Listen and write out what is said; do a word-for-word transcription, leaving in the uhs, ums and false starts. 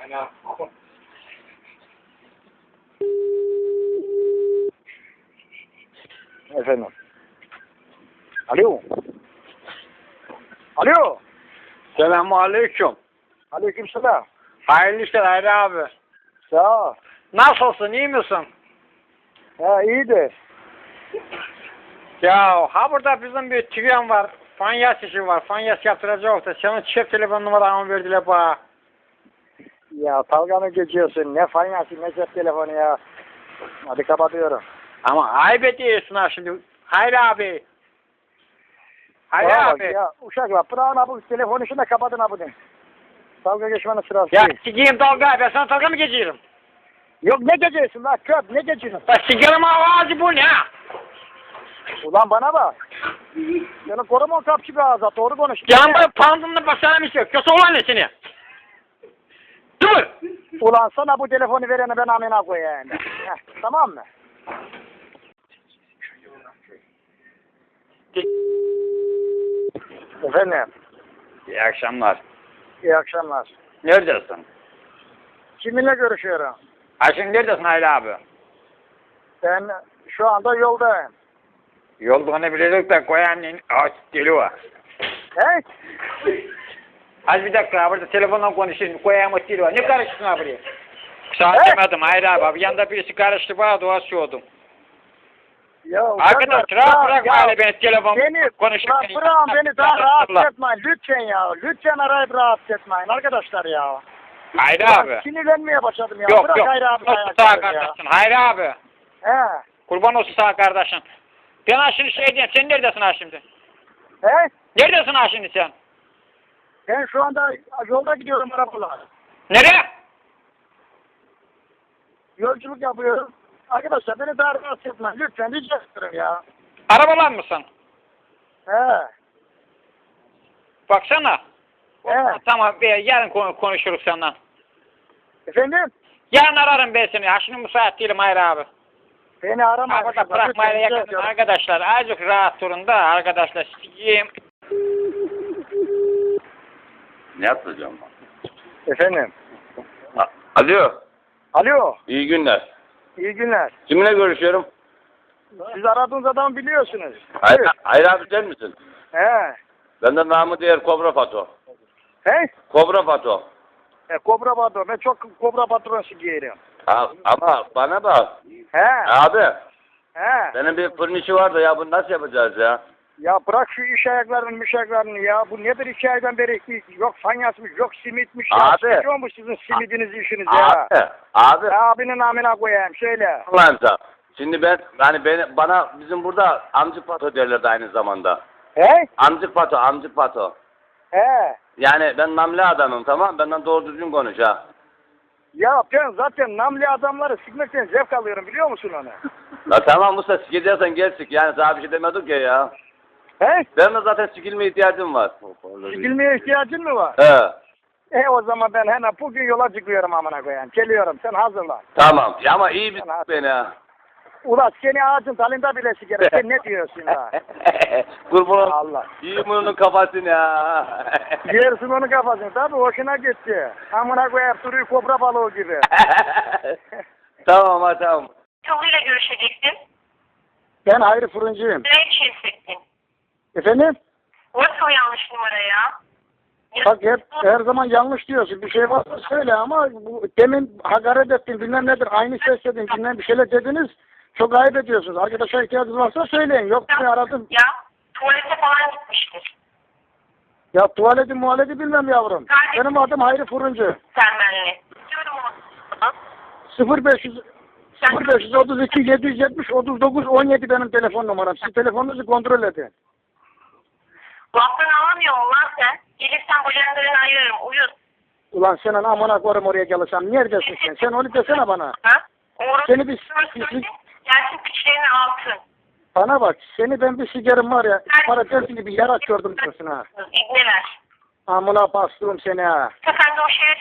Ana. Efendim. Alo. Alo. Selamünaleyküm. Aleykümselam. Hayırlı işler Hayri abi. Sağ ol. Nasılsın, iyi misin? Ha iyidir. Ya ha burada bizim bir tüyen var. Fanyas işi var. Fanyas yaptıracak da senin çift telefon numaranı verdiler bana. Ya dalga mı geçiyorsun? Ne fanyası ne cep telefonu ya. Hadi kapatıyorum. Ama ayıp ediyorsun ha şimdi. Hayri abi. Hayri Bana bak abi. ya uşaklar bırakın bu telefonu şuna kapatın abi. Dalga geçmenin sırası Ya değil. sikeyim dalga. Ben sana dalga mı geçiyorum? Yok ne geçiyorsun lan köp ne geçiyorsun? Ya sikerim ağzı bu ne? Ulan bana bak. Senin koruma kapçı bir ağza doğru konuş. Canım böyle pandımla başlarım istiyor. Kötü olan ne seni? Dur. Ulan sana bu telefonu verene ben amına koyayım. Heh, tamam mı? Efendim. İyi akşamlar. İyi akşamlar. Neredesin? Kiminle görüşüyorum? Ha şimdi neredesin Hayri abi? Ben şu anda yoldayım. Yolduğunu biliyorduk da koyanın ağaç deli var. He? Az bir dakika burada telefonla konuşayım. Koyayım o deli var. Ne karıştın abi buraya? Sana He? demedim Hayri abi. abi. Yanında birisi karıştı bana dua sordum. Ya Arkadaş rahat bırakma hele beni telefon beni, konuşurken. Beni, bırakın beni daha rahatsız etmeyin. Lütfen ya. Lütfen arayıp rahatsız etmeyin arkadaşlar ya. Hayri Ben abi. sinirlenmeye başladım ya. Yok Bırak yok. Hayri abi. Olsun sağ kardeşin. Hayri abi. He. Kurban olsun sağ kardeşin. Ben ha şimdi şey diyeyim. Sen neredesin ha şimdi? He? Neredesin ha şimdi sen? Ben şu anda yolda gidiyorum arabalar. Nereye? Yolculuk yapıyorum. Arkadaşlar beni daha rahatsız etmeyin. Lütfen rica ederim ya. Arabalar mısın? He. Baksana. He. Tamam be, yarın konu- konuşuruz senden. Efendim? Yarın ararım ben seni. Ha şimdi müsait değilim Hayri abi. Beni aramayın. Arkadaşlar bırakmayla Lütfen rica yakın ediyorum. arkadaşlar. Azıcık rahat durun da arkadaşlar. Sikiyim. Ne yapacağım ben? Efendim? A- Alo, Alo. iyi günler. İyi günler. Kiminle görüşüyorum? Siz aradığınız adamı biliyorsunuz. Hayır, hayır abi sen misin? He. Benden namı diğer Kobra Fato. He? Kobra Fato. E, kobra patron. Ben çok kobra patronsu giyerim. Ha, ama bana bak. He. Abi, He. benim bir fırın işi var da ya bunu nasıl yapacağız ya? Ya bırak şu iş ayaklarını, müş ayaklarını ya. Bu nedir iki aydan beri? Yok fanyasmış, yok simitmiş. Ya. Abi. Sıkıyor mu sizin simidiniz, işiniz ya? Abi, abi. Ya abinin amına koyayım. Şöyle. Allah'ım sen. Şimdi ben, hani beni, bana bizim burada amcık pato derlerdi aynı zamanda. He? Amcık pato, amcık pato. He. Yani ben namli adamım tamam, benden doğru düzgün konuş ha. Ya ben zaten namli adamları sikmekten zevk alıyorum biliyor musun onu? Ya tamam Musa sikeceksen gel sik, yani sana bir şey demedik ya ya. He? Benim de zaten sikilme ihtiyacım var. Sikilmeye ihtiyacın mı var? He. E o zaman ben hemen bugün yola çıkıyorum amına koyayım. Geliyorum sen hazırlan. Tamam. Ya ama iyi bir Tamam. s- beni ha. Ulan seni ağacın dalında bile sikerim. Sen ne diyorsun ya? Kurban Allah. iyi bunun kafasını ya. Yersin onun kafasını. Tabii hoşuna gitti. Amına koyayım duruyor kobra balığı gibi. Tamam ha tamam. Tavıyla görüşecektin. Ben Hayri Fırıncıyım. Ne için hissettin? Efendim? Nasıl o yanlış numara ya? Bak hep her zaman yanlış diyorsun. Bir şey varsa söyle ama bu, demin hakaret ettin bilmem nedir. Aynı ses dedin bilmem bir şeyler dediniz. Çok ayıp ediyorsunuz. Arkadaşa ihtiyacınız varsa söyleyin. Yok beni aradım. Ya tuvalete falan gitmiştir. Ya tuvaleti muhaleti bilmem yavrum. Kardeşim. Benim adım Hayri Fırıncı. Sen benimle. Diyorum ama. sıfır beş yüz sıfır beş otuz iki yedi yüz yetmiş otuz dokuz on yedi benim telefon numaram. Siz telefonunuzu kontrol edin. Laftan anlamıyor musun lan sen? Gelirsen bacaklarını ayırırım. Uyuz. Ulan senin amına koyarım oraya gelirsem. Neredesin sen? Sen onu desene bana. Ha? Orası Seni bir- söyle. Gelsin piçlerini altın. Bana bak. Seni ben bir sigarim var ya. Para dersin gibi yarak gördüm diyorsun ha. İbneler. Amına bastırım seni ha. Sen de o şeye